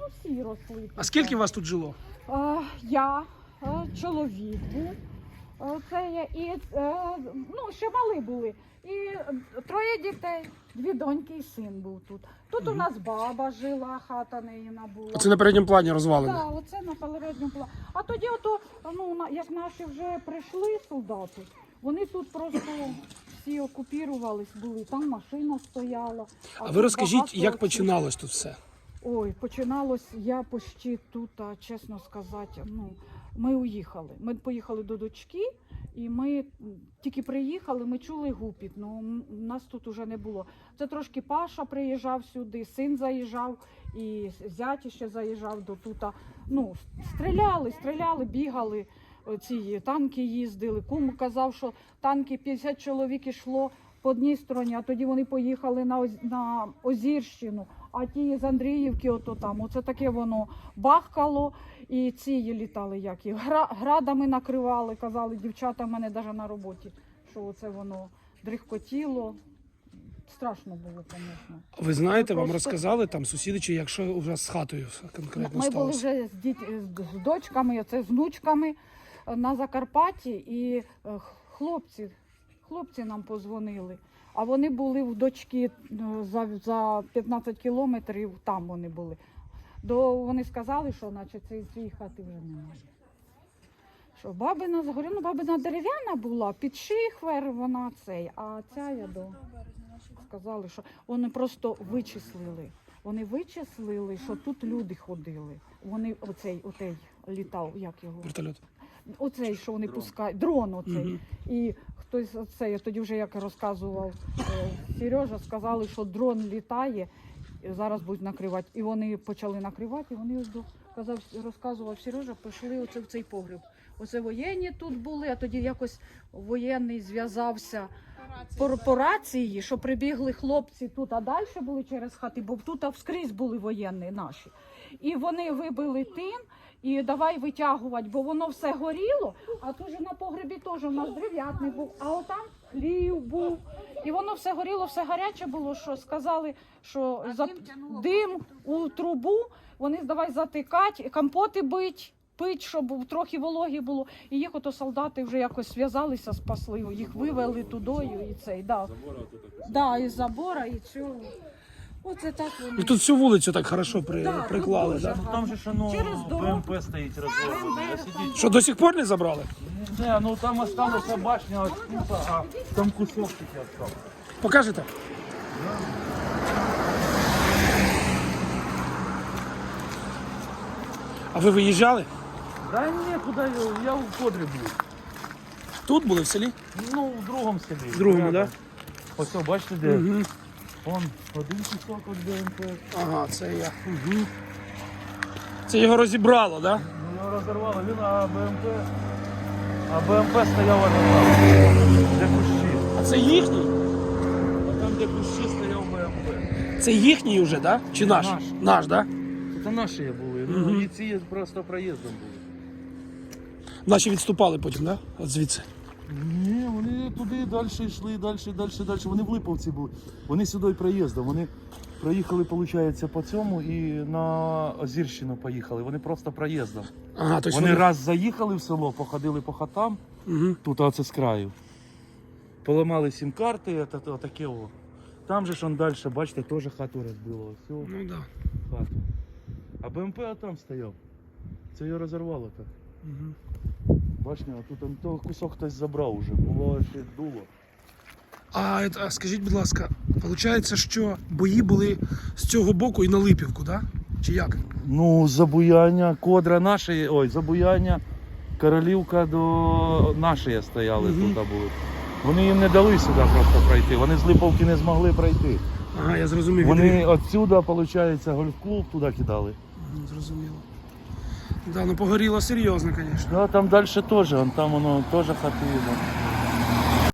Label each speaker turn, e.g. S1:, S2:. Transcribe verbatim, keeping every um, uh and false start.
S1: всі росли.
S2: А скільки вас тут жило?
S1: А, я, а, чоловік був, а, це я, і, а, ну, ще мали були. І троє дітей, дві доньки і син був тут. Тут угу. у нас баба жила, хата неїна була.
S2: Оце на передньому плані розвалено?
S1: Так, да, оце на передньому плані. А тоді, ото, ну, як наші вже прийшли солдати, вони тут просто всі окупірувались були, там машина стояла.
S2: А, а ви розкажіть, як починалось тут все?
S1: Ой, починалось, я почти тут, чесно сказати, ну, ми уїхали. Ми поїхали до дочки, і ми тільки приїхали, ми чули гупіт, ну нас тут уже не було. Це трошки Паша приїжджав сюди, син заїжджав, і зять ще заїжджав до тут. Ну, стріляли, стріляли, бігали, ці танки їздили. Кум казав, що танки п'ятдесят чоловік йшло по одній стороні, а тоді вони поїхали на, Оз... на Озірщину. А ті з Андріївки, ото там, оце таке воно бахкало, і ці літали, як їх, Гра... градами накривали, казали, дівчата в мене навіть на роботі, що оце воно дрихкотіло. Страшно було, звісно.
S2: Ви знаєте,
S1: Ми
S2: вам
S1: просто...
S2: розказали там сусіди, чи якщо вже з хатою конкретно
S1: Ми
S2: сталося?
S1: були вже з, діт... з дочками, оце з внучками на Закарпатті, і хлопці, хлопці нам позвонили. А вони були в дочки за, за п'ятнадцять кілометрів, там вони були. До, вони сказали, що наче цієї хати вже немає. Що бабина, говорю, ну бабина дерев'яна була, під шихвер вона цей, а ця я до... Сказали, що вони просто вичислили. Вони вичислили, що тут люди ходили. Вони, оцей, оцей літав, як його?
S2: Вертольот.
S1: Оцей, що вони пускають, дрон оцей. Угу. І хтось оцей, тоді вже як розказував е, Сережа, сказали, що дрон літає, і зараз будуть накривати. І вони почали накривати, і вони, казав, розказував Сережа, пішли оце в цей погреб. Оце воєнні тут були, а тоді якось воєнний зв'язався по, по рації, що прибігли хлопці тут, а далі були через хати, бо тут вскрізь були воєнні наші. І вони вибили тин, і давай витягувати, бо воно все горіло, а тут же на погребі теж у нас дерев'ятний був, а отам хлів був. І воно все горіло, все гаряче було, що сказали, що за... дим у трубу, вони давай затикати, компоти бить, пить, щоб трохи вологі було. І їх ото солдати вже якось зв'язалися, спасли, їх вивели тудою і цей, да. Да, із забора, і цього. Оце так вони.
S2: І тут всю вулицю так хорошо при...
S1: да,
S2: приклали, так?
S3: Ну, там же ж воно БМП стоїть розроблене.
S2: Що, до сих пор не забрали?
S3: Не, ну там осталася башня, от тут, а там кусок тільки остав.
S2: Покажете? А ви виїжджали?
S3: Да ні, куди я, я в кодрі був.
S2: Тут були в селі?
S3: Ну, в другому селі.
S2: В другому, так?
S3: Ось, о, бачите, де?
S2: Угу.
S3: Вон, один кусок від БМП.
S2: Ага, це я. Угу. Це його розібрало, так? Да?
S3: Ну, його розірвало, він, а БМП... А БМП стояв аж там, де кущі.
S2: А це їхній?
S3: А там, де кущі, стояв БМП.
S2: Це їхній вже, так? Да? Чи наш?
S3: Наш.
S2: Наш, так? Да?
S3: Це наші були,
S2: Угу.
S3: ну і ці просто проїздом були.
S2: Наші відступали потім, так? Да? От звідси.
S3: Ні, вони туди далі йшли, далі, далі, далі. Вони в Липовці були. Вони сюди проїздом. Вони проїхали, виходить, по цьому і на Озірщину поїхали. Вони просто проїздом.
S2: Ага, то
S3: вони, вони раз заїхали в село, походили по хатам, угу. Тут оце з краю. Поламали сім-карти, отаке о. Там же ж он далі, бачите, теж хату розбило. Все.
S2: Ну да.
S3: Хату. А БМП там стояв. Це його розірвало так.
S2: Угу.
S3: Бачите, а тут он, то кусок хтось забрав уже, було ще дуло.
S2: А, а скажіть, будь ласка, виходить, що бої були з цього боку і на Липівку, так? Да? Чи як?
S3: Ну, Забуяння, Кодра наші, ой, Забуяння, Королівка до нашої стояли, угу. Тут були. Вони їм не дали сюди просто пройти, вони з Липовки не змогли пройти.
S2: Ага, я зрозумів.
S3: Вони відсюди, виходить, гольф-клуб туди кидали.
S2: Угу, зрозуміло. Да, ну погоріло серйозно, звісно.
S3: Да, там далі теж, там воно теж хати.